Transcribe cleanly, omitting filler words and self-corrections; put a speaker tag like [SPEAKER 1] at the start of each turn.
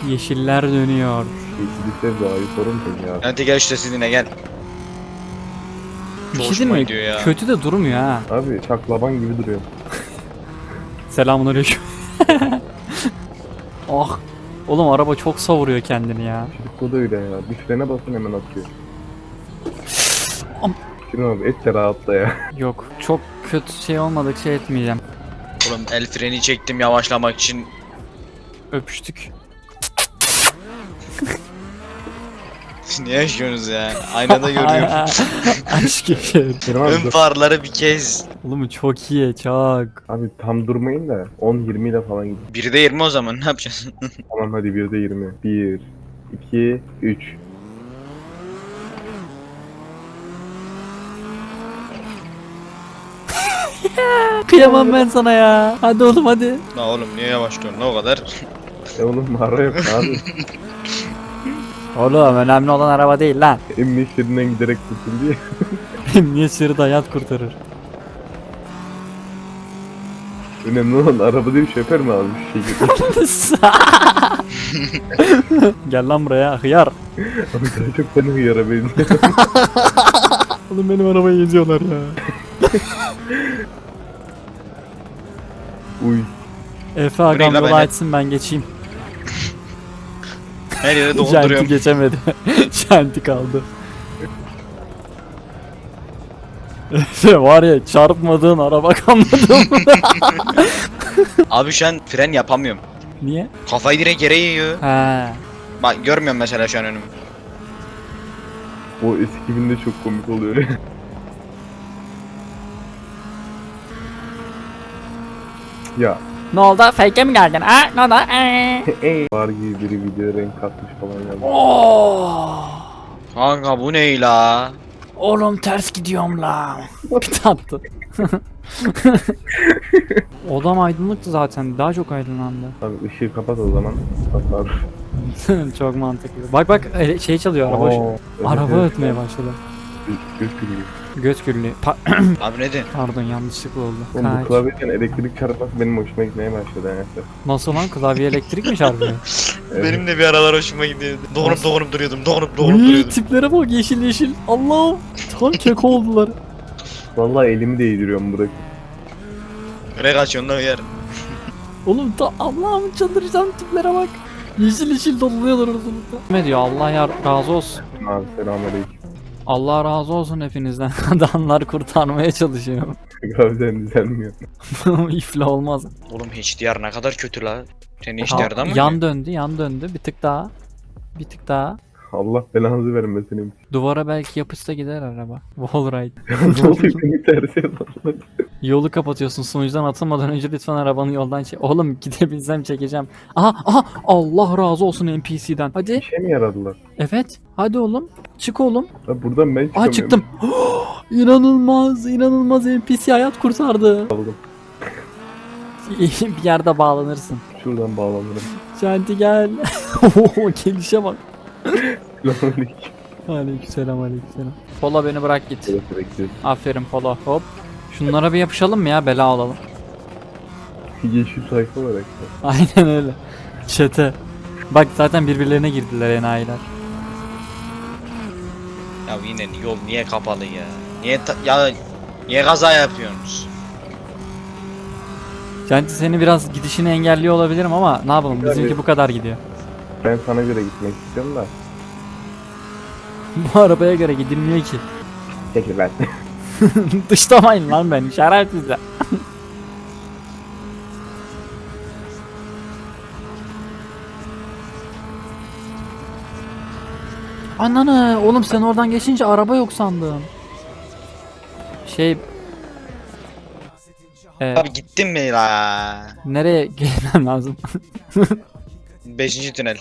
[SPEAKER 1] Yeşiller dönüyor.
[SPEAKER 2] Yeşillikler doğayı sorun ya.
[SPEAKER 3] Hadi gel işte sizinle gel.
[SPEAKER 1] Bir
[SPEAKER 3] Çok
[SPEAKER 1] şey
[SPEAKER 3] hoşuma
[SPEAKER 1] değil mi?
[SPEAKER 3] gidiyor ya.
[SPEAKER 1] Kötü de durmuyor ha.
[SPEAKER 2] Abi çaklaban gibi duruyor.
[SPEAKER 1] Selamünaleyküm. Ah. Oğlum araba çok savuruyor kendini ya.
[SPEAKER 2] Çocuk da öyle ya. Bir frene basın hemen atıyor.
[SPEAKER 1] Am-
[SPEAKER 2] Şirin abi et de rahatla ya.
[SPEAKER 1] Yok, çok kötü şey olmadık şey etmeyeceğim.
[SPEAKER 3] Oğlum el freni çektim yavaşlamak için.
[SPEAKER 1] Öpüştük.
[SPEAKER 3] Niye yaşıyorsunuz ya? Aynada görüyorum.
[SPEAKER 1] Aşk yaşarım.
[SPEAKER 2] Şirin abi
[SPEAKER 3] Ön
[SPEAKER 2] dur.
[SPEAKER 3] farları bir kez.
[SPEAKER 1] Oğlum çok iyi, çok.
[SPEAKER 2] Abi tam durmayın da 10-20 ile falan gidin.
[SPEAKER 3] 1'de 20 o zaman ne yapacağız?
[SPEAKER 2] Tamam hadi 1'de 20. 1, 2, 3.
[SPEAKER 1] Kıyamam ben sana ya. Hadi oğlum hadi.
[SPEAKER 3] La oğlum niye yavaşlıyorsun ne o kadar?
[SPEAKER 2] Oğlum mağara yok abi.
[SPEAKER 1] Oğlum önemli olan araba değil lan.
[SPEAKER 2] Emniyet şeridinden giderek kurtuldu ya.
[SPEAKER 1] Emniyet şeridi hayat kurtarır.
[SPEAKER 2] Önemli olan araba değil şoför mü abi bir şey gibi.
[SPEAKER 1] Gel lan buraya hıyar.
[SPEAKER 2] Abi daha çok bana hıyara benziyor.
[SPEAKER 1] Oğlum benim arabayı geziyorlar ya.
[SPEAKER 2] Uy.
[SPEAKER 1] Efe agam
[SPEAKER 3] la
[SPEAKER 1] yolu
[SPEAKER 3] beni.
[SPEAKER 1] açsın ben geçeyim.
[SPEAKER 3] Her yere
[SPEAKER 1] Şanti
[SPEAKER 3] dolduruyorum.
[SPEAKER 1] geçemedi. Şanti kaldı. Efe var ya çarpmadığın araba kalmadı mı?
[SPEAKER 3] Abi şu an fren yapamıyorum.
[SPEAKER 1] Niye?
[SPEAKER 3] Kafayı direkt yere yiyor.
[SPEAKER 1] He.
[SPEAKER 3] Bak görmüyorum mesela şu an önümü.
[SPEAKER 2] O eski filmde çok komik oluyor. Ya.
[SPEAKER 1] Ne oldu? Fake'e mi geldin? Ha? Ne oldu?
[SPEAKER 2] Var gibi biri video renk katmış falan yazmış.
[SPEAKER 1] Oh!
[SPEAKER 3] Kanka bu ne la?
[SPEAKER 1] Oğlum ters gidiyorum la. Bir attı. Odam aydınlıktı zaten. Daha çok aydınlandı.
[SPEAKER 2] Abi ışığı kapat o zaman. Kapat.
[SPEAKER 1] Çok mantıklı. Bak bak şey çalıyor araba. Araba ötmeye başladı.
[SPEAKER 2] Göz gülüyor.
[SPEAKER 1] Göz gürlüğü.
[SPEAKER 3] Abi ne diyorsun?
[SPEAKER 1] Pardon yanlışlıkla oldu.
[SPEAKER 2] Oğlum bu
[SPEAKER 1] Kaç.
[SPEAKER 2] klavyeden elektrik çarpması benim hoşuma gitmeye başladı yani.
[SPEAKER 1] Nasıl lan klavye elektrik mi çarpıyor?
[SPEAKER 2] Evet.
[SPEAKER 3] Benim de bir aralar hoşuma gidiyordu. Dokunup duruyordum. Dokunup
[SPEAKER 1] Uy,
[SPEAKER 3] duruyordum.
[SPEAKER 1] tiplere bak yeşil yeşil. Allah'ım. Tam keko oldular.
[SPEAKER 2] Vallahi elimi değdiriyorum bırak.
[SPEAKER 3] Nereye kaçıyorsun lan yer?
[SPEAKER 1] Oğlum Allah'ım çıldıracağım tiplere bak. Yeşil yeşil doluyorlar ortalıkta. Ne diyor Allah ya razı olsun.
[SPEAKER 2] Abi selamünaleyküm.
[SPEAKER 1] Allah razı olsun hepinizden. Adamlar kurtarmaya çalışıyor.
[SPEAKER 2] Graviden düzelmiyor.
[SPEAKER 1] İflah olmaz.
[SPEAKER 3] Oğlum HDR ne kadar kötü la. Senin HDR'dan mı?
[SPEAKER 1] Yan döndü yan döndü. Bir tık daha. Bir tık daha.
[SPEAKER 2] Allah belanızı vermesin.
[SPEAKER 1] Duvara belki yapışsa gider araba. Wallride.
[SPEAKER 2] Ne oluyor beni tersi yalanlar.
[SPEAKER 1] Yolu kapatıyorsun sunucudan atılmadan önce lütfen arabanı yoldan çek. Oğlum gidebilsem çekeceğim. Aha Allah razı olsun NPC'den. Hadi.
[SPEAKER 2] Bir şey mi yaradılar?
[SPEAKER 1] Evet. Hadi oğlum. Çık oğlum.
[SPEAKER 2] Ha buradan ben çıkamıyorum.
[SPEAKER 1] Aa çıktım. İnanılmaz inanılmaz NPC hayat kurtardı.
[SPEAKER 2] Aldım.
[SPEAKER 1] Bir yerde bağlanırsın.
[SPEAKER 2] Şuradan bağlanırım.
[SPEAKER 1] Şanti gel. Oho gelişe bak.
[SPEAKER 2] Selamünaleyküm.
[SPEAKER 1] Aleykümselam aleykümselam. Polo beni bırak git.
[SPEAKER 2] Evet bekliyorum.
[SPEAKER 1] Aferin Polo hop. Şunlara bir yapışalım mı ya bela olalım.
[SPEAKER 2] Yeşil sayfa olarak da.
[SPEAKER 1] Aynen öyle. Çete. Bak zaten birbirlerine girdiler enayiler.
[SPEAKER 3] Ya yine yol niye kapalı ya? Niye kaza yapıyorsunuz?
[SPEAKER 1] Şanti seni biraz gidişini engelliyor olabilirim ama ne yapalım bizimki
[SPEAKER 2] Tabii.
[SPEAKER 1] bu kadar gidiyor.
[SPEAKER 2] Ben sana göre gitmek istiyorum da.
[SPEAKER 1] Bu arabaya göre gidilmiyor ki.
[SPEAKER 2] Çekil ben.
[SPEAKER 1] Dışlamayın lan beni şerefsizler. Ananı oğlum sen oradan geçince araba yok sandım. Şey
[SPEAKER 3] Abi gittin mi la?
[SPEAKER 1] nereye gelmem lazım?
[SPEAKER 3] 5. tünel.